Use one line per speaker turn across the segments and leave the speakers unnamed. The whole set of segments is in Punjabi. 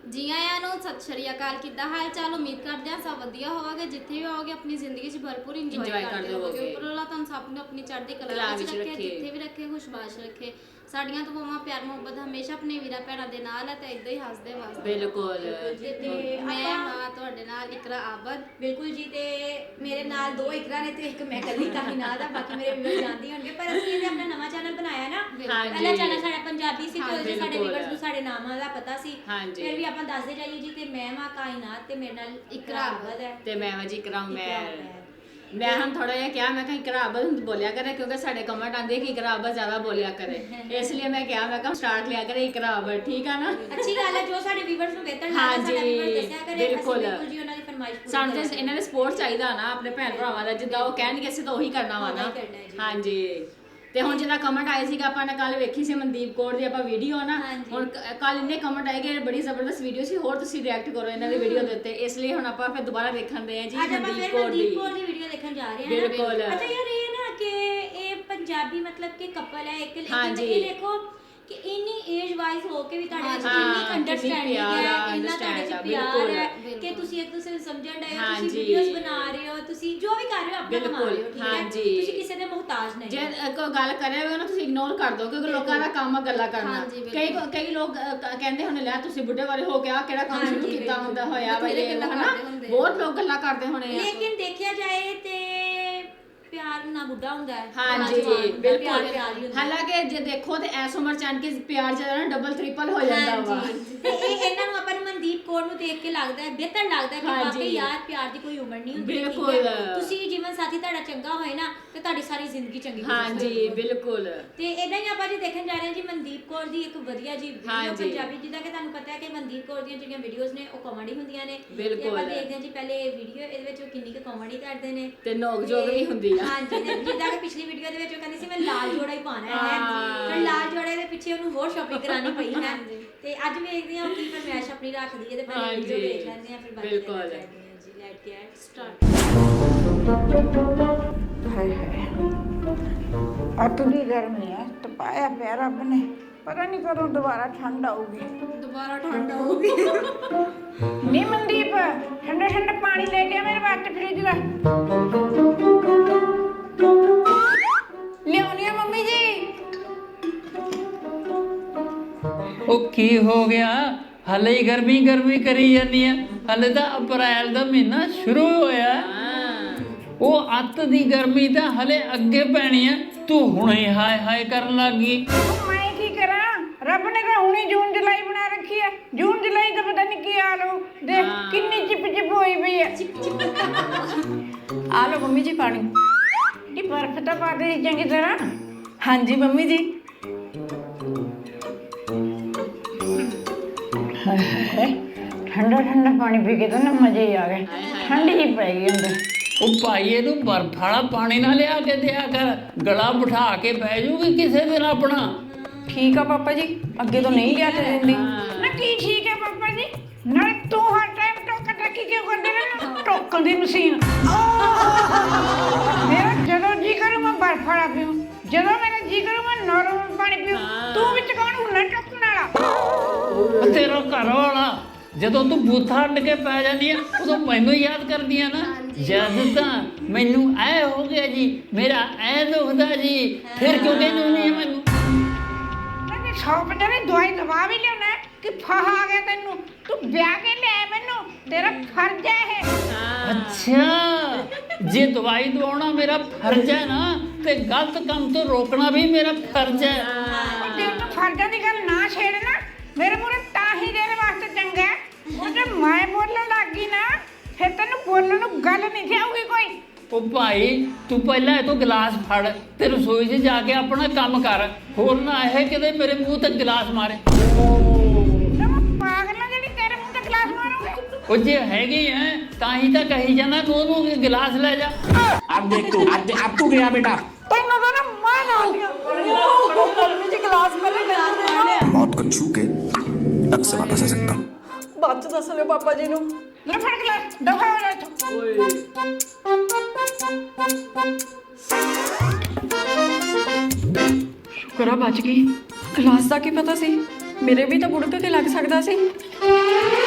जी आया नु सत श्री अकाल किदा हाल चाल उम्मीद करते हैं सब वधिया होवोगे जिथे भी होवोगे अपनी जिंदगी च भरपूर इंजॉय करते होवोगे ऊपर वाला तुम सब ने अपनी चढ़ती कला विच रखे जिथे भी रखे खुशबाश रखे साडियां दुआवां प्यार मुहब्बत हमेशा अपने वीरा भैणां दे नाल है ते इदां ही हसदे वसदे
बिल्कुल
ते मैं हां तुहाडे नाल इकरा आबद
बिल्कुल जी ते मेरे नाल दो इकरा ने ते एक मैं कल्ली काही नाल दा बाकी मेरे व्यूअर्स जानदे होणगे पर असली इहने अपना नवा चैनल बनाया ना पहला चैनल साडा पंजाबी सी ते ओदे साडे व्यूअर्स ਨੂੰ ਸਾਡੇ ਨਾਮਾਂ ਦਾ ਪਤਾ ਸੀ ਫਿਰ ਵੀ ਆਪਾਂ ਦੱਸਦੇ ਜਾਈਏ ਜੀ ਤੇ ਮੈਂ ਮਾਂ ਕਾਇਨਾਤ ਤੇ ਮੇਰੇ ਨਾਲ ਇਕਰਾ ਆਬਦ ਹੈ
ਤੇ ਮੈਂ ਜੀ ਇਕਰਾ मैं हम थोड़ा जिहा क्या मैं कहीं इकरा आबद बोलिया करे क्योंकि साडे कमेंट आंदे कि इकरा आबद ज्यादा बोलिया करे इसलिए मैं क्या मैं कहा स्टार्ट लिया करे इकरा आबद ठीक है ना
अच्छी गल है जो साडे व्यूअर्स ਨੂੰ ਬਿਹਤਰ ਲੱਗਦਾ ਸਾਡਾ व्यूअर्स ਦੱਸਿਆ ਕਰੇ
बिल्कुल
ਜੀ ਉਹਨਾਂ ਦੀ ਫਰਮਾਇਸ਼ ਪੂਰੀ
ਸਾਨੂੰ ਤੇ ਇਹਨਾਂ ਦੇ ਸਪੋਰਟ ਚਾਹੀਦਾ ਨਾ ਆਪਣੇ ਭੈਣ ਭਰਾਵਾਂ ਦਾ ਜਿੱਦਾਂ ਉਹ ਕਹਿਣਗੇ ਅਸੀਂ ਤਾਂ ਉਹੀ ਕਰਨਾ ਵਾ ਨਾ ਹਾਂਜੀ ਤੇ ਹੁਣ ਜਿਹਦਾ ਕਮੈਂਟ ਆਇਆ ਸੀਗਾ ਆਪਾਂ ਨੇ ਕੱਲ ਵੇਖੀ ਸੀ ਮਨਦੀਪ ਕੌਰ ਦੀ ਆਪਾਂ ਵੀਡੀਓ ਨਾ ਹੁਣ ਕੱਲ ਇੰਨੇ ਕਮੈਂਟ ਆਏ ਕਿ ਬੜੀ ਜ਼ਬਰਦਸਤ ਵੀਡੀਓ ਸੀ ਹੋਰ ਤੁਸੀਂ ਰਿਐਕਟ ਕਰੋ ਇਹਨਾਂ ਦੀ ਵੀਡੀਓ ਦੇ ਉੱਤੇ ਇਸ ਲਈ ਹੁਣ ਆਪਾਂ ਫਿਰ ਦੁਬਾਰਾ ਦੇਖਣ ਦੇ ਆ ਜੀ
ਮਨਦੀਪ ਕੌਰ ਦੀ ਵੀਡੀਓ ਦੇਖਣ ਜਾ ਰਹੇ ਹਾਂ
ਬਿਲਕੁਲ
ਅੱਛਾ ਯਾਰ ਇਹ ਨਾ ਕਿ ਇਹ ਪੰਜਾਬੀ मतलब ਕਿ ਕਪਲ ਹੈ ਇੱਕ ਲੇਕਿਨ ਇਹ ਦੇਖੋ ਕਿ ਇੰਨੀ ਏਜ ਵਾਈਜ਼ ਹੋ ਕੇ ਵੀ ਤੁਹਾਡੇ ਵਿੱਚ ਕਿੰਨੀ ਅੰਡਰਸਟੈਂਡਿੰਗ ਹੈ ਇੰਨਾ ਤੁਹਾਡੇ ਵਿੱਚ ਪਿਆਰ ਹੈ ਕਿ ਤੁਸੀਂ ਇੱਕ ਦੂਸਰੇ ਨੂੰ ਸਮਝਣ ਡਏ ਹੋ ਤੁਸੀਂ ਵੀਡੀਓਜ਼ ਬਣਾ ਰਹੇ ਹੋ ਤੁਸੀਂ ਜੋ ਵੀ ਕਰ ਰਹੇ ਹੋ ਆਪਣਾ ਕਮਾ ਰਹੇ ਹੋ ਠੀਕ ਹੈ ਤੁਸੀਂ ਕਿਸੇ ਦੇ ਮੁਹਤਾਜ ਨਹੀਂ
ਜੇ ਕੋਈ ਗੱਲ ਕਰੇ ਹੋਵੇ ਨਾ ਤੁਸੀਂ ਇਗਨੋਰ ਕਰ ਦਿਓ ਕਿਉਂਕਿ ਲੋਕਾਂ ਦਾ ਕੰਮ ਗੱਲਾਂ ਕਰਨਾ ਕਈ ਲੋਕ ਕਹਿੰਦੇ ਹੋਣੇ ਲੈ ਤੁਸੀਂ ਬੁੱਢੇ ਵਾਲੇ ਹੋ ਕੇ ਆ ਕਿਹੜਾ ਕੰਮ ਸ਼ੁਰੂ ਕੀਤਾ ਹੁੰਦਾ ਹੋਇਆ ਬਈ ਹਨਾ ਬਹੁਤ ਲੋਕ ਗੱਲਾਂ ਕਰਦੇ ਹੋਣੇ
ਲੇਕਿਨ ਦੇਖਿਆ ਜਾਏ ਤੇ ਪਿਆਰ ਨਾ ਬੁੱਢਾ ਹੁੰਦਾ ਹੈ
ਹਾਂਜੀ ਬਿਲਕੁਲ ਹਾਲਾਂਕਿ ਜੇ ਦੇਖੋ ਤੇ ਐਸ ਉਮਰ ਚ ਆਣ ਕੇ ਪਿਆਰ ਜਿਹੜਾ ਨਾ ਡਬਲ ਟ੍ਰਿਪਲ ਹੋ ਜਾਂਦਾ ਵਾ
ਤੇ ਇਹ ਇਹਨਾਂ ਨੂੰ ਆਪਾਂ ਨੂੰ ਮਨਦੀਪ ਕੌਰ ਨੂੰ ਦੇਖ ਕੇ ਲੱਗਦਾ ਹੈ ਬਿਹਤਰ ਲੱਗਦਾ ਹੈ ਕਿ ਵਾਕਈ ਯਾਰ ਪਿਆਰ ਦੀ ਕੋਈ ਉਮਰ ਨਹੀਂ ਹੁੰਦੀ
ਬਿਲਕੁਲ
ਤੁਸੀਂ ਜੀਵਨ ਸਾਥੀ ਤੁਹਾਡਾ ਚੰਗਾ ਹੋਏ ਨਾ ਤੇ ਤੁਹਾਡੀ ਸਾਰੀ ਜ਼ਿੰਦਗੀ ਚੰਗੀ ਹੋ ਜਾਏ
ਹਾਂਜੀ ਬਿਲਕੁਲ
ਤੇ ਇਦਾਂ ਹੀ ਆਪਾਂ ਜੀ ਦੇਖਣ ਜਾ ਰਹੇ ਹਾਂ ਜੀ ਮਨਦੀਪ ਕੌਰ ਦੀ ਇੱਕ ਵਧੀਆ ਜੀ ਵੀਡੀਓ ਪੰਜਾਬੀ ਜਿੱਦਾਂ ਕਿ ਤੁਹਾਨੂੰ ਪਤਾ ਹੈ ਕਿ ਮਨਦੀਪ ਕੌਰ ਦੀਆਂ ਜਿਹੜੀਆਂ ਵੀਡੀਓਜ਼ ਨੇ ਉਹ ਕਾਮੇਡੀ ਹੁੰਦੀਆਂ ਨੇ ਤੇ ਆਪਾਂ ਦੇਖਦੇ ਹਾਂ ਜੀ ਪਹਿਲੇ ਇਹ ਵੀਡੀਓ ਇਹਦੇ ਵਿੱਚ ਉਹ ਕਿੰਨੀ ਕੁ ਕਾਮੇਡੀ ਕਰਦੇ ਨੇ
ਤੇ ਨੋਕ ਜੋਗ ਵੀ ਹੁੰਦੀ ਆ
ਹਾਂਜੀ ਜਿੱਦਾਂ ਕਿ ਪਿਛਲੀ ਵੀਡੀਓ ਦੇ ਵਿੱਚ ਉਹ ਕਹਿੰਦੀ ਸੀ ਮੈਂ ਲਾਲ ਜੋੜਾ ਹੀ ਪਾਣਾ ਹੈ ਫਿਰ ਲਾਲ ਜੋੜੇ ਦੇ ਪਿੱਛੇ ਉਹਨੂੰ ਹੋਰ ਸ਼ਾਪਿੰਗ ਕਰਾਣੀ ਪਈ ਹੈ ਤੇ ਅੱਜ ਵੇਖਦੇ ਹਾਂ ਕੀ ਫਰਮਾਇਸ਼ ਆਪਣੀ ਰੱਖਦੀ ਹੈ ਤੇ ਪਹਿਲੇ ਵੀਡੀਓ ਦੇਖ ਲੈਂਦੇ ਹਾਂ ਫਿਰ ਬਾਕੀ ਕਰਦੇ ਹਾਂ ਜੀ ਲੈਟ ਗੈਟ ਸਟਾਰਟ
ਹਾਏ ਹਾਏ ਅੱਤ ਦੀ ਗਰਮੀ ਹੈ ਤਪਾਇਆ ਪਿਆ ਰੱਬ ਨੇ ਪਤਾ ਨਹੀਂ ਕਦੋਂ ਦੁਬਾਰਾ ਠੰਡ ਆਊਗੀ ਨੀ ਮਨਦੀਪ ਠੰਡਾ ਠੰਡਾ ਪਾਣੀ ਲੈ ਕੇ ਆ ਮੇਰੇ ਵਾਸਤੇ ਫ੍ਰਿਜ ਦਾ ਲਿਆਉਣੀ ਆ ਮੰਮੀ ਜੀ
ਉਹ ਕੀ ਹੋ ਗਿਆ ਹਲੇ ਹੀ ਗਰਮੀ ਕਰੀ ਜਾਂਦੀ ਆ ਹਲੇ ਤਾਂ ਅਪ੍ਰੈਲ ਦਾ ਮਹੀਨਾ ਸ਼ੁਰੂ ਹੋਇਆ ਉਹ ਅੱਤ ਦੀ ਗਰਮੀ ਤਾਂ ਹਲੇ ਅੱਗੇ ਪੈਣੀ ਆ ਤੂੰ ਹੁਣੇ ਹਾਏ ਹਾਏ ਕਰਨ ਲੱਗੀ
ਮੈਂ ਕੀ ਕਰਾਂ ਰੱਬ ਨੇ ਤਾਂ ਹੁਣੇ ਜੂਨ ਜੁਲਾਈ ਬਣਾ ਰੱਖੀ ਹੈ ਜੂਨ ਜੁਲਾਈ ਤਾਂ ਪਤਾ ਨਹੀਂ ਕੀ ਹਾਲ ਹੋ ਦੇਖ ਕਿੰਨੀ ਚਿਪ ਹੋਈ ਪਈ ਹੈ
ਆ ਲਓ ਮੰਮੀ ਜੀ ਪਾਣੀ
ਇਹ ਬਰਫ਼ ਤਾਂ ਪਾ ਦੇ ਚੰਗੀ ਤਰ੍ਹਾਂ
ਹਾਂਜੀ ਮੰਮੀ ਜੀ
ਠੰਡਾ ਠੰਡਾ ਪਾਣੀ ਪੀ ਕੇ ਤਾਂ ਨਾ ਮਜ਼ੇ ਹੀ ਆ ਗਏ ਠੰਡ ਹੀ ਪੈ ਗਈ ਅੰਦਰ
ਉਹ ਭਾਈ ਇਹਨੂੰ ਬਰਫ ਵਾਲਾ ਪਾਣੀ ਨਾ ਲਿਆ ਕੇ ਦਿਆ ਕਰ ਗਲਾ ਬਿਠਾ ਕੇ ਬਹਿ ਜੂਗੀ ਕਿਸੇ ਦਿਨ ਆਪਣਾ
ਠੀਕ ਆ ਪਾਪਾ ਜੀ ਅੱਗੇ ਤੋਂ ਨਹੀਂ ਲਿਆ ਕੇ ਦਿੰਦੀ
ਨਾ ਕੀ ਠੀਕ ਹੈ ਪਾਪਾ ਜੀ ਨਾਲੇ ਤੂੰ ਹਰ ਟਾਈਮ ਟੋਕਣ ਰੱਖੀ ਕਿਉਂ ਕਰਦੇ ਰਹਿਣਾ ਟੋਕਣ ਦੀ ਮਸ਼ੀਨ ਮੇਰਾ ਜਦੋਂ ਜੀ ਕਰੂ ਮੈਂ ਬਰਫ ਵਾਲਾ ਪੀਉ ਜਦੋਂ ਮੇਰਾ ਜੀ ਕਰੂ ਮੈਂ ਨੋਰਮਲ ਪਾਣੀ ਪੀਉ ਤੂੰ ਵਿੱਚ ਕੌਣ ਹੁੰਦਾ ਟੋਕਣ ਵਾਲਾ
ਤੇਰਾ ਘਰ ਵਾਲਾ ਜਦੋਂ ਤੂੰ ਬੂਥਾ ਅੱਡ ਕੇ ਪੈ ਜਾਂਦੀ ਆ ਉਦੋਂ ਮੈਨੂੰ ਯਾਦ ਕਰਦੀ ਆ ਨਾ ਜਦ ਤਾਂ ਮੈਨੂੰ ਐ ਹੋ ਗਿਆ ਜੀ ਮੇਰਾ ਐ ਦੁਖਦਾ ਜੀ ਫਿਰ ਕਿਉਂ ਕਹਿੰਦੀ ਨਹੀਂ ਮੈਨੂੰ
ਮੈਂ 150 ਦੀ ਦਵਾਈ ਦਵਾ ਵੀ ਲਿਆਉਣਾ ਕਿ ਫਾਹਾ ਆ ਗਿਆ ਤੈਨੂੰ ਤੂੰ ਵਿਆਹ ਕੇ ਲੈ ਮੈਨੂੰ ਤੇਰਾ ਫਰਜ਼ ਹੈ ਇਹ
ਅੱਛਾ ਜੇ ਦਵਾਈ ਦਵਾਉਣਾ ਮੇਰਾ ਫਰਜ਼ ਹੈ ਨਾ ਤੇ ਗਲਤ ਕੰਮ ਤੋਂ ਰੋਕਣਾ ਵੀ ਮੇਰਾ ਫਰਜ਼ ਹੈ
ਜੇ ਤੂੰ ਫਰਜ਼ਾਂ ਦੀ ਗੱਲ ਨਾ ਛੇੜਨਾ ਮੇਰੇ ਮੂਹਰੇ ਤਾਂ ਹੀ ਦੇਣ ਵਾਸਤੇ ਚੰਗਾ ਉਹ ਜੇ ਮੈਂ ਬੋਲਣ ਲੱਗ ਗਈ ਨਾ ਫਿਰ ਤੈਨੂੰ ਬੋਲਣ ਨੂੰ ਗੱਲ ਨਹੀਂ ਆਊਗੀ ਕੋਈ
ਉਹ ਭਾਈ ਤੂੰ ਪਹਿਲਾਂ ਇਹ ਤੋਂ ਗਲਾਸ ਫੜ ਤੇ ਰਸੋਈ 'ਚ ਜਾ ਕੇ ਆਪਣਾ ਕੰਮ ਕਰ ਹੋਰ ਨਾ ਇਹ ਕਿਤੇ ਮੇਰੇ ਮੂੰਹ ਤੇ ਗਲਾਸ ਮਾਰੇ
ਪਾਗਲ ਨਾ ਜਿਹੜੀ ਤੇਰੇ ਮੂੰਹ ਤੇ ਗਲਾਸ ਮਾਰੂਗੀ
ਉਹ ਜੇ ਹੈਗੀ ਐ ਤਾਂ ਹੀ ਤਾਂ ਕਹੀ ਜਾਂਦਾ ਕਿ ਉਹਨੂੰ ਗਲਾਸ ਲੈ ਜਾ
अब देख तू अब तू गया बेटा
ਤੈਨੂੰ ਤਾਂ ਨਾ ਮਾਂ ਨਾਲ
ਮੰਮੀ ਜੀ ਗਲਾਸ ਪਹਿਲੇ ਮੈਨੂੰ ਦੇਣਾ
मौत को छू के तक से वापस आ सकता हूँ
ਬਾਅਦ ਚ ਦੱਸ ਲਿਓ ਪਾਪਾ ਜੀ ਨੂੰ
ਲੈ ਫੜ ਗਲਾਸ ਦਫਾ ਹੋ ਜਾ ਇੱਥੋਂ
ਸ਼ੁਕਰ ਆ ਬਚ ਗਈ ਗਲਾਸ ਦਾ ਕੀ ਪਤਾ ਸੀ ਮੇਰੇ ਵੀ ਤਾਂ ਬੁੜਕ ਕੇ ਲੱਗ ਸਕਦਾ ਸੀ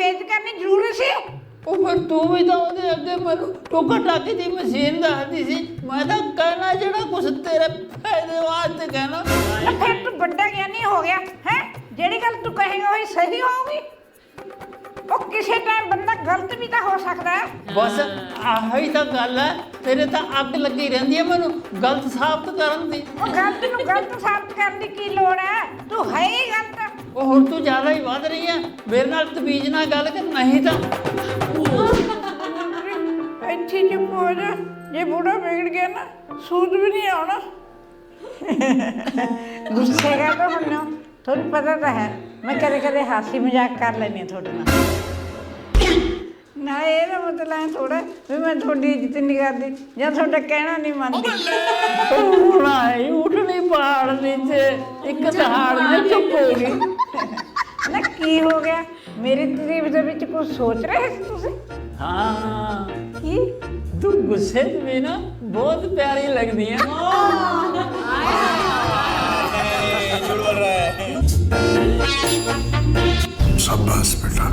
ਬੇਇੱਜ਼ਤ ਕਰਨੀ ਜ਼ਰੂਰੀ ਸੀ?
ਉਹ ਫਿਰ ਤੂੰ ਵੀ ਤਾਂ ਉਹਦੇ ਅੱਗੇ ਮੈਨੂੰ ਟੋਕਾ ਟਾਕੀ ਦੀ ਮਸ਼ੀਨ ਦੱਸਦੀ ਸੀ। ਮੈਂ ਤਾਂ ਕਹਿਣਾ ਜਿਹੜਾ ਕੁਛ ਤੇਰੇ ਫਾਇਦੇ ਵਾਸਤੇ ਕਹਿਣਾ।
ਫਿਰ ਤੂੰ ਵੱਡਾ ਗਿਆਨੀ ਹੋ ਗਿਆ ਹੈ। ਜਿਹੜੀ ਗੱਲ ਤੂੰ ਕਹੇਗਾ ਉਹੀ ਸਹੀ ਹੋਊਗੀ। ਉਹ ਕਿਸੇ ਟਾਈਮ ਬੰਦਾ ਗਲਤ ਵੀ ਤਾਂ ਹੋ ਸਕਦਾ ਹੈ।
ਬਸ ਆਹੀ ਤਾਂ ਗੱਲ ਹੈ। ਤੇਰੇ ਤਾਂ ਅੱਗ ਲੱਗੀ ਰਹਿੰਦੀ ਹੈ ਮੈਨੂੰ ਗਲਤ ਸਾਬਤ ਕਰਨ ਦੀ।
ਉਹ ਗਲਤ ਨੂੰ ਗਲਤ ਸਾਬਤ ਕਰਨ ਦੀ ਕੀ ਲੋੜ ਹੈ? ਤੂੰ ਹੈ ਹੀ ਗਲਤ।
ਉਹ ਹੁਣ ਤੂੰ ਜ਼ਿਆਦਾ ਹੀ ਵੱਧ ਰਹੀ ਹੈ। ਮੇਰੇ ਨਾਲ ਤਮੀਜ਼ ਨਾਲ ਗੱਲ ਕਰ, ਨਹੀਂ ਤਾਂ
ਇੱਥੇ ਚੁੱਪ ਹੋ ਜਾ। ਜੇ ਬੁੜਾ ਵਿਗੜ ਗਿਆ ਨਾ ਸੂਝ ਵੀ ਨਹੀਂ ਆਉਣਾ। ਗੁੱਸੇ ਕਰ ਤਾਂ ਹੁਣ ਤੁਹਾਨੂੰ ਪਤਾ ਤਾਂ ਹੈ ਮੈਂ ਕਦੇ ਕਦੇ ਹਾਸੀ ਮਜ਼ਾਕ ਕਰ ਲੈਂਦੀ ਹਾਂ ਤੁਹਾਡੇ ਨਾਲ। ਨਾ ਇਹਦਾ ਮਤਲਬ ਹੈ ਥੋੜਾ ਵੀ ਮੈਂ ਤੁਹਾਡੀ ਇੱਜ਼ਤ ਨਹੀਂ ਕਰਦੀ ਜਾਂ ਤੁਹਾਡਾ ਕਹਿਣਾ ਨਹੀਂ ਮੰਨਦੀ।
ਹੁਣ ਆਈ ਉੱਠਣੀ ਪਹਾੜ ਨੀਚੇ ਇੱਕ ਦਹਾੜ ਨਾਲ ਚੁੱਪ ਹੋ ਗਈ।
ਨਾ ਕੀ ਹੋ ਗਿਆ? ਮੇਰੀ ਤਾਰੀਫ ਦੇ ਵਿੱਚ ਕੁਝ ਸੋਚ ਰਹੇ ਸੀ ਤੁਸੀਂ?
ਹਾਂ
ਕੀ?
ਤੂੰ ਗੁੱਸੇ 'ਚ ਵੀ ਨਾ ਬਹੁਤ ਪਿਆਰੀ ਲੱਗਦੀ ਹੈ।
शाबाश बेटा।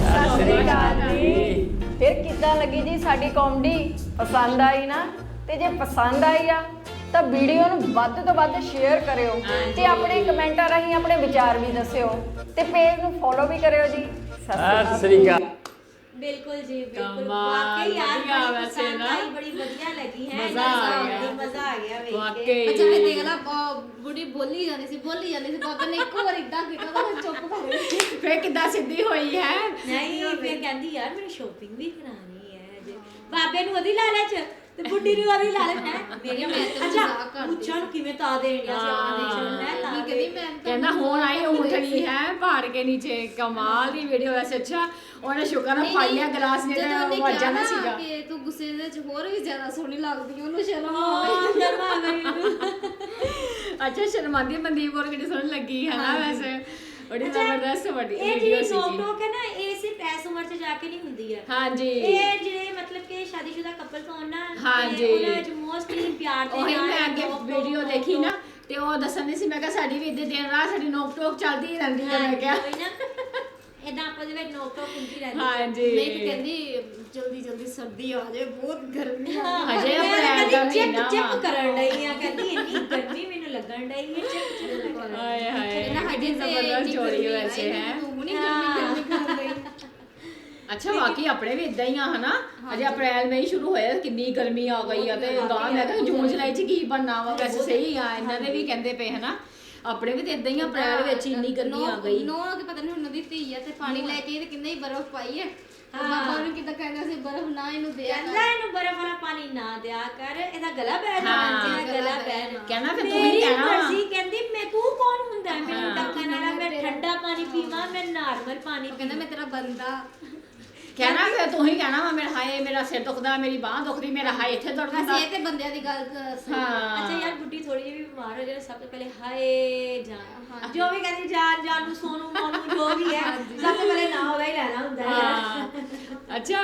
ਫਿਰ ਕਿੱਦਾਂ ਲੱਗੀ ਜੀ ਸਾਡੀ ਕਾਮੇਡੀ? ਪਸੰਦ ਆਈ ਨਾ? ਤੇ ਜੇ ਪਸੰਦ ਆਈ ਆ ਤਾਂ ਵੀਡੀਓ ਨੂੰ ਵੱਧ ਤੋਂ ਵੱਧ ਸ਼ੇਅਰ ਕਰਿਓ ਤੇ ਆਪਣੇ ਕਮੈਂਟਾਂ ਰਾਹੀਂ ਆਪਣੇ ਵਿਚਾਰ ਵੀ ਦੱਸਿਓ ਤੇ ਪੇਜ ਨੂੰ ਫੋਲੋ ਵੀ ਕਰਿਓ ਜੀ।
ਸਤਿ ਸ੍ਰੀ ਅਕਾਲ।
ਬਿਲकुल जी बिल्कुल
कमाल,
वाकई यार
बढ़िया
बड़ी
वैसे
पसंद
ना।
आई, बड़ी बढ़िया लगी है।
मजा आ गया।
मजा आ गया देख के।
ਵਾਕਈ
ਅੱਛਾ ਮੈਂ ਦੇਖ ਲਾ ਬੁੜੀ ਬੋਲੀ ਜਾਂਦੀ ਸੀ ਬਾਬਾ ਨੇ ਇੱਕੋ ਵਾਰ ਇਦਾਂ ਕੀਤਾ ਤਾਂ ਮੈਂ ਚੁੱਪ ਕਰ ਗਈ।
ਫੇਰ ਕਿੱਦਾਂ ਸਿੱਧੀ ਹੋਈ ਹੈ।
ਨਹੀਂ ਫਿਰ ਕਹਿੰਦੀ ਯਾਰ ਮੈਨੂੰ ਸ਼ੋਪਿੰਗ ਵੀ ਕਰਾਣੀ ਹੈ ਜੇ ਬਾਬੇ ਨੂੰ ਉਹਦੀ ਲਾਲਚ ਤੇ ਬੁੱਢੀ ਨੂੰ ਉਹਦੀ ਲਾਲਚ ਹੈ ਮੇਰੀ
ਮੈਂ ਤਾਂ
ਅੱਛਾ
ਮਜ਼ਾਕ ਕਰਦੀ
ਉੱਚਾ ਨੂੰ ਕਿਵੇਂ ਤਾ ਦੇਣਿਆ ਸੀ ਆਪਾਂ ਦੇਸ਼ਨ ਹੈ
ਵੀ ਕਹਿੰਦੀ ਮੈਂ ਤਾਂ
ਕਹਿੰਦਾ ਹੁਣ ਆਈ ਉਂਠਣੀ ਹੈ ਪਹਾੜ ਕੇ ਨੀਚੇ। ਕਮਾਲ ਦੀ ਵੀਡੀਓ ਵੈਸੇ। ਅੱਛਾ ਉਹਨੇ ਸ਼ੁਕਰ ਨਾਲ ਫੜ ਲਿਆ ਗਲਾਸ ਨੇ
ਜਦੋਂ ਉਹਨੇ
ਵੱਜਾ
ਕਿਹਾ
ਨਾ
ਨਾ
ਸੀਗਾ।
ਕਿ ਤੂੰ ਗੁੱਸੇ ਦੇ ਵਿੱਚ ਹੋਰ ਵੀ ਜ਼ਿਆਦਾ ਸੋਹਣੀ ਲੱਗਦੀ ਹੈ ਉਹਨੂੰ ਸ਼ਰਮ ਆ
ਹਾਂ
ਗਈ।
ਸ਼ਰਮਾ ਗਈ
ਅੱਛਾ ਸ਼ਰਮਾਂਦੀ ਮਨਦੀਪ ਹੋਰ ਕਿਹੜੀ ਸੋਹਣੀ ਲੱਗੀ ਹੈ ਨਾ ਵੈਸੇ। ਬੜੀ ਜ਼ਬਰਦਸਤ ਵੱਡੀ
ਇਹ
ਵੀਡੀਓ
ਜਿਹੜੀ
ਸੀ
ਨੋਕ
ਜੀ।
ਟੋਕ ਹੈ ਨਾ ਇਹ ਸਿਰਫ ਐਸ ਉਮਰ 'ਚ ਜਾ ਕੇ ਨਹੀਂ ਹੁੰਦੀ ਹੈ।
ਹਾਂਜੀ
ਇਹ ਜਿਹੜੇ ਮਤਲਬ ਕਿ ਸ਼ਾਦੀशुदा ਕਪਲਸ ਹੋਣ ਨਾ
ਹਾਂਜੀ।
ਉਹਨਾਂ ਵਿੱਚ ਮੋਸਟਲੀ ਪਿਆਰ ਦੇ
ਉਹੀ
ਨਾਲ
ਮੈਂ ਅੱਗੇ
ਨੋਕ-ਟੋਕ,
ਵੀਡੀਓ ਦੇਖੀ ਨਾ ਤੇ ਉਹ ਦੱਸਣ ਦੀ ਸੀ। ਮੈਂ ਕਿਹਾ ਸਾਡੀ ਵੀ ਇੱਦੇ ਦਿਨ ਰਾਤ ਸਾਡੀ ਨੋਕ ਟੋਕ ਚੱਲਦੀ ਹੀ ਰਹਿੰਦੀ ਹੈ। ਮੈਂ ਕਿਹਾ
ਇਦਾਂ ਆਪਸ ਦੇ ਵਿੱਚ ਨੋਕ ਟੋਕ ਹੁੰਦੀ ਰਹਿੰਦੀ ਹੈ।
ਹਾਂਜੀ
ਮੈਂ ਤਾਂ ਕਹਿੰਦੀ ਜਲਦੀ ਜਲਦੀ ਸਰਦੀ ਆ ਜਾਏ ਬਹੁਤ ਗਰਮੀ ਆ
ਹਜੇ
ਮੈਂ
ਅਪ੍ਰੈਲ ਦਾ ਮਹੀਨਾ
ਚਿਪ
ਵਾ।
ਕਰਨ ਡਈ ਆ ਕਹਿੰਦੀ ਇੰਨੀ ਗਰਮੀ ਮੈਨੂੰ ਲੱਗਣ ਡਈ ਹੈ ਚਿਪ ਕਰਨ
ਹਾਏ ਹਾਏ
ਇਹਨਾਂ
ਕਿੰਨੀ
ਹੱਡੀ
ਜ਼ਬਰਦਸਤ ਜੋੜੀ ਵੈਸੇ ਹੈ।
ਤੂੰ ਨਹੀਂ ਗਰਮੀ ਕਰ ਗਈ।
ਅੱਛਾ ਵਾਕਈ ਆਪਣੇ ਵੀ ਇਦਾਂ ਹੀ ਆ ਹਨਾ। ਅਜੇ ਅਪ੍ਰੈਲ ਮਈ ਸ਼ੁਰੂ ਹੋਇਆ ਕਿੰਨੀ ਗਰਮੀ ਆ ਗਈ ਆ ਤੇ ਗਾਂ ਮੈਂ ਕਿਹਾ ਜੂਨ ਜੁਲਾਈ ਚ ਕੀ ਬਣਨਾ ਵਾ। ਵੈਸੇ ਸਹੀ ਆ ਇਹਨਾਂ ਦੇ ਵੀ ਕਹਿੰਦੇ ਪਏ ਹਨਾ ਆਪਣੇ ਵੀ ਤੇ ਇਦਾਂ ਹੀ ਅਪ੍ਰੈਲ ਵਿੱਚ ਇੰਨੀ ਗਰਮੀ ਆ ਗਈ।
ਨੋ ਕਿ ਪਤਾ ਨਹੀਂ ਹੁਣ ਉਹਦੀ ਧੀ ਆ ਤੇ ਪਾਣੀ ਲੈ ਕੇ ਤੇ ਕਿੰਨੇ ਹੀ ਬਰਫ਼ ਪਾਈ ਹੈ। ਬਾਬਾ ਨੂੰ ਕਿਦਾਂ ਕਹਿੰਦਾ ਸੀ ਬਰਫ਼ ਨਾ ਇਹਨੂੰ ਦਿਆ
ਕਹਿੰਦਾ ਇਹਨੂੰ ਬਰਫ਼ ਵਾਲਾ ਪਾਣੀ ਨਾ ਦਿਆ ਕਰ ਇਹਦਾ ਗਲਾ ਬਹਿ ਜਾਣਾ ਇਹਦਾ ਗਲਾ ਬਹਿ
ਕਹਿੰਦਾ ਫਿਰ ਤੂੰ ਹੀ
ਮੇਰੀ
ਕਹਿਣਾ ਵਾ।
ਮਰਜ਼ੀ ਕਹਿੰਦੀ ਮੈਂ ਤੂੰ ਕੌਣ ਹੁੰਦਾ ਮੈਨੂੰ ਟੱਕਣ ਵਾਲਾ। ਮੈਂ ਠੰਡਾ ਪਾਣੀ ਪੀਵਾਂ ਮੈਂ ਨਾਰਮਲ ਪਾਣੀ
ਕਹਿੰਦਾ ਮੈਂ ਤੇਰਾ ਬੰਦਾ
ਕਹਿਣਾ ਫਿਰ ਤੂੰ ਹੀ ਕਹਿਣਾ ਵਾ ਮੇਰਾ ਹਾਏ ਮੇਰਾ ਸਿਰ ਦੁਖਦਾ ਮੇਰੀ ਬਾਹ ਦੁਖਦੀ ਮੇਰਾ ਹਾਏ ਇੱਥੇ ਦਰਦ ਹੁੰਦਾ।
ਵੈਸੇ ਇਹ ਤੇ ਬੰਦਿਆਂ ਦੀ ਗੱਲ
ਹਾਂ
ਅੱਛਾ ਯਾਰ ਬੁੱਢੀ ਥੋੜੀ ਜਿਹੀ ਵੀ ਬਿਮਾਰ ਹੋ ਜਾਏ ਸਭ ਤੋਂ ਪਹਿਲੇ ਹਾਏ ਜਾਨ ਜੋ ਵੀ ਕਹਿੰਦੀ ਜਾਨ ਜਾਨ ਨੂੰ ਸੋਨੂ ਮੋਨੂ ਜੋ ਵੀ ਹੈ ਸਭ ਤੋਂ ਪਹਿਲੇ ਨਾਂ ਉਹਦਾ ਹੀ ਲੈਣਾ ਹੁੰਦਾ ਹੈ
ਹਾਂ ਅੱਛਾ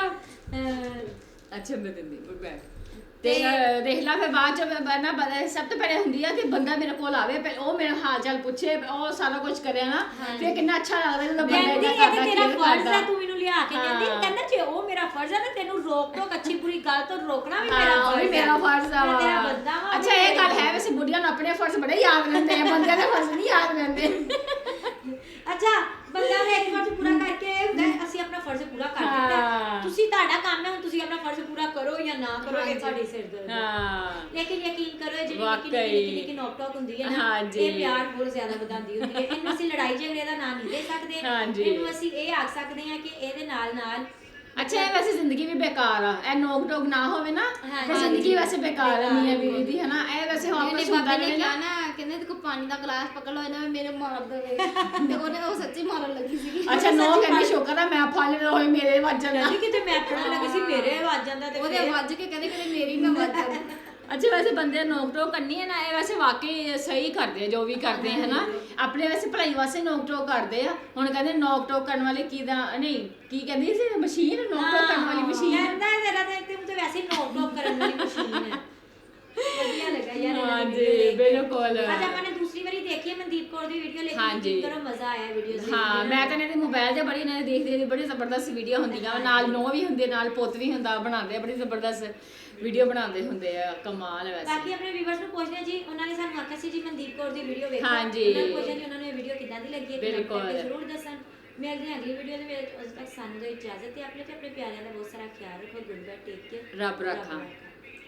ਅੱਛਾ ਮੈਂ ਦਿੰਦੀ ਗੁੱਡ ਬੈਕ ਤੇ ਦੇਖ ਲਾ ਫਿਰ ਬਾਅਦ ਚ ਨਾ ਸਭ ਤੋਂ ਪਹਿਲੇ ਹੁੰਦੀ ਆ ਕਿ ਬੰਦਾ ਮੇਰੇ ਕੋਲ ਆਵੇ ਉਹ ਮੇਰਾ ਹਾਲ ਚਾਲ ਪੁੱਛੇ ਉਹ ਸਾਰਾ ਕੁਝ ਕਰੇ ਨਾ ਫਿਰ ਕਿੰਨਾ ਅੱਛਾ ਲੱਗਦਾ ਜਦੋਂ ਬੰਦਾ
ਕਹਿੰਦੀ
ਇਹਦਾ
ਇਹ
ਕਰਦਾ
ਤੇ ਤੇਰਾ
ਕੇਅਰ
ਫਰਜ਼ ਹੈ
ਕਰਦਾ।
ਤੂੰ ਮੈਨੂੰ ਲਿਆ ਕੇ ਕਹਿੰਦਾ ਜੇ ਉਹ ਮੇਰਾ ਫਰਜ਼ ਹੈ ਤਾਂ ਤੈਨੂੰ ਰੋਕ ਟੋਕ ਅੱਛੀ ਬੁਰੀ ਗੱਲ ਤੋਂ ਰੋਕਣਾ ਵੀ ਮੇਰਾ
ਉਹ
ਫਰਜ਼
ਵੀ
ਹੈ।
ਮੇਰਾ ਫਰਜ਼ ਆ
ਮੈਂ ਤੇਰਾ ਬੰਦਾ ਵਾਂ,
ਅੱਛਾ ਇਹ ਗੱਲ ਹੈ ਵੈਸੇ ਬੁੱਢੀਆਂ ਨੂੰ ਆਪਣੇ ਫਰਜ਼ ਬੜੇ ਯਾਦ ਰਹਿੰਦੇ ਆ ਬੰਦਿਆਂ ਦੇ ਫਰਜ਼ ਨਹੀਂ ਯਾਦ ਰਹਿੰਦੇ।
ਅੱਛਾ ਬੰਦਾ ਨੇ ਇੱਕ ਫਰਜ਼ ਪੂਰਾ ਕਰਕੇ ਹੁੰਦਾ ਹੈ, ਅਸੀਂ ਆਪਣਾ ਫਰਜ਼ ਪੂਰਾ ਕਰ ਦਿੱਤਾ
ਹਾਂ।
ਤੁਸੀਂ ਤੁਹਾਡਾ ਕੰਮ ਹੈ ਹੁਣ ਤੁਸੀਂ ਆਪਣਾ ਫਰਜ਼ ਪੂਰਾ ਕਰੋ ਜਾਂ ਨਾ ਕਰੋ ਇਹ ਤੁਹਾਡੀ ਸਿਰਦਰਦੀ ਹੈ।
ਹਾਂ
ਲੇਕਿਨ ਯਕੀਨ ਕਰੋ ਇਹ ਜਿਹੜੀ
ਵਾਕਈ।
ਨਿੱਕੀ ਨੋਕ ਟੋਕ ਹੁੰਦੀ ਹੈ ਨਾ
ਹਾਂਜੀ।
ਇਹ ਪਿਆਰ ਬਹੁਤ ਜ਼ਿਆਦਾ ਵਧਾਉਂਦੀ ਹੁੰਦੀ ਹੈ। ਇਹਨੂੰ ਅਸੀਂ ਲੜਾਈ ਝਗੜੇ ਦਾ ਨਾਂ ਨਹੀਂ ਦੇ ਸਕਦੇ
ਹਾਂਜੀ।
ਇਹਨੂੰ ਅਸੀਂ ਇਹ ਆਖ ਸਕਦੇ ਹਾਂ ਕਿ ਇਹਦੇ ਨਾਲ ਨਾਲ
ਅੱਛਾ ਇਹ ਵੈਸੇ ਜ਼ਿੰਦਗੀ ਵੀ ਬੇਕਾਰ ਆ ਇਹ ਨੋਕ ਟੋਕ ਨਾ ਹੋਵੇ ਨਾ
ਹਾਂਜੀ।
ਤੇ ਜ਼ਿੰਦਗੀ ਵੈਸੇ ਬੇਕਾਰ ਆ ਮੀਆਂ ਬੀਵੀ ਦੀ ਹਨਾ। ਇਹ ਵੈਸੇ
ਉਹਨੇ
ਵਾਪਸ
ਬਾਬੇ
ਹੁੰਦਾ
ਨੇ
ਰਹੇ
ਕਿਹਾ
ਨਾ
ਨਾ ਕਹਿੰਦੇ ਤੇ ਕੋ ਪਾਣੀ ਦਾ ਗਲਾਸ ਪਕੜ ਲਓ ਇਹਨਾਂ ਮੇਰੇ ਮਾਰ ਦੇਵੇ ਤੇ ਉਹਨੇ ਉਹ ਸੱਚੀ ਮਾਰਨ ਲੱਗੀ ਸੀਗੀ।
ਅੱਛਾ ਨੋ ਕਹਿੰਦੀ ਸ਼ੁਕਰ ਆ ਮੈਂ ਫਲ ਹੋਏ ਮੇਰੇ ਵੱਜਣ
ਕਹਿੰਦੀ ਕਿਤੇ ਮੈਂ ਪੜਨ ਲੱਗੀ ਸੀ ਮੇਰੇ ਵੱਜ ਜਾਂਦਾ ਤੇ
ਉਹਦੇ
ਫਿਰ-
ਵੱਜ ਕੇ ਕਹਿੰਦੇ ਕਿਤੇ ਮੇਰੀ ਨਾ ਵੱਜ ਜਾਵੇ।
ਅੱਛਾ ਵੈਸੇ ਬੰਦੇ ਨੋਕ ਟੋਕ ਕਰਨੀ ਹੈ ਨਾ ਇਹ ਵੈਸੇ ਵਾਕਈ ਸਹੀ ਕਰਦੇ ਆ ਜੋ ਵੀ ਕਰਦੇ ਹੈ ਨਾ ਆਪਣੇ ਵੈਸੇ ਭਲਾਈ ਵਾਸਤੇ ਨੋਕ ਟੋਕ ਕਰਦੇ ਆ। ਹੁਣ ਕਹਿੰਦੇ ਨੋਕ ਟੋਕ ਕਰਨ ਵਾਲੇ ਕੀ ਦਾ ਨਹੀਂ ਕੀ ਕਹਿੰਦੀ ਸੀ ਮਸ਼ੀਨ ਨੋਕ ਟੋਕ ਕਰਨ ਵਾਲੀ ਮਸ਼ੀਨ।
ਕਹਿੰਦਾ ਤੇਰਾ ਤੇ ਤੂੰ ਤੇ ਵੈਸੇ ਨੋਕ ਟੋਕ ਕਰਨ ਵਾਲੀ ਮਸ਼ੀਨ ਹੈ। ਵਧੀਆ ਲੱਗਾ ਯਾਰ ਇਹਨਾਂ ਦੀ
ਹਾਂਜੀ,
video ਦੇਖ ਕੇ।
ਬਿਲਕੁਲ।
ਅੱਜ ਆਪਾਂ ਨੇ ਦੂਸਰੀ ਵਾਰੀ ਦੇਖੀ ਦੇਖੀ ਹੈ ਮਨਦੀਪ ਕੌਰ ਦੀ ਵੀਡੀਓ, ਲੇਕਿਨ
ਹਾਂਜੀ।
ਯਕੀਨ ਕਰੋ ਮਜ਼ਾ ਆਇਆ ਵੀਡੀਓ ਦੇਖ ਕੇ।
ਹਾਂ ਮੈਂ ਤਾਂ ਇਹਨਾਂ ਦੇ ਮੋਬਾਈਲ ਤੇ ਬੜੀ ਇਹਨਾਂ ਦੇ ਦੇਖਦੇ ਬੜੀ ਜ਼ਬਰਦਸਤ ਵੀਡੀਓ ਹੁੰਦੀਆਂ ਵਾ, ਨਾਲ ਨੋ ਵੀ ਹੁੰਦੇ, ਨਾਲ ਪੁੱਤ ਵੀ ਹੁੰਦਾ, ਬਣਾਉਂਦੇ ਆ ਬੜੀ ਜ਼ਬਰਦਸਤ ਵੀਡੀਓ ਬਣਾਉਂਦੇ ਹੁੰਦੇ ਆ, ਕਮਾਲ ਹੈ ਵੈਸੇ।
ਬਾਕੀ ਆਪਣੇ ਵੀਵਰਸ ਨੂੰ ਪੁੱਛਦੇ ਜੀ, ਉਹਨਾਂ ਨੇ ਸਾਨੂੰ ਆਖਿਆ ਸੀ ਜੀ ਮਨਦੀਪ ਕੌਰ ਦੀ ਵੀਡੀਓ ਵੇਖੋ,
ਹਾਂਜੀ।
ਉਹਨਾਂ ਨੂੰ ਪੁੱਛਿਆ ਜੀ ਉਹਨਾਂ ਨੂੰ ਇਹ ਵੀਡੀਓ ਕਿੱਦਾਂ ਦੀ ਲੱਗੀ ਹੈ, ਕਮੈਂਟ
ਬਿਲਕੁਲ।
ਕਰਕੇ ਜ਼ਰੂਰ ਦੱਸਣ। ਮਿਲਦੇ ਹਾਂ ਅਗਲੀ ਵੀਡੀਓ ਦੇ ਵਿੱਚ, ਉਦੋਂ ਤੱਕ ਸਾਨੂੰ ਦਿਓ ਇਜਾਜ਼ਤ, ਤੇ ਆਪਣੇ ਤੇ ਆਪਣੇ ਪਿਆਰਿਆਂ ਦਾ ਬਹੁਤ ਸਾਰਾ ਖਿਆਲ ਰੱਖੋ। ਗੁੱਡ ਬਾਏ, ਟੇਕ ਕੇਅਰ,
ਰੱਬ ਰਾਖਾ।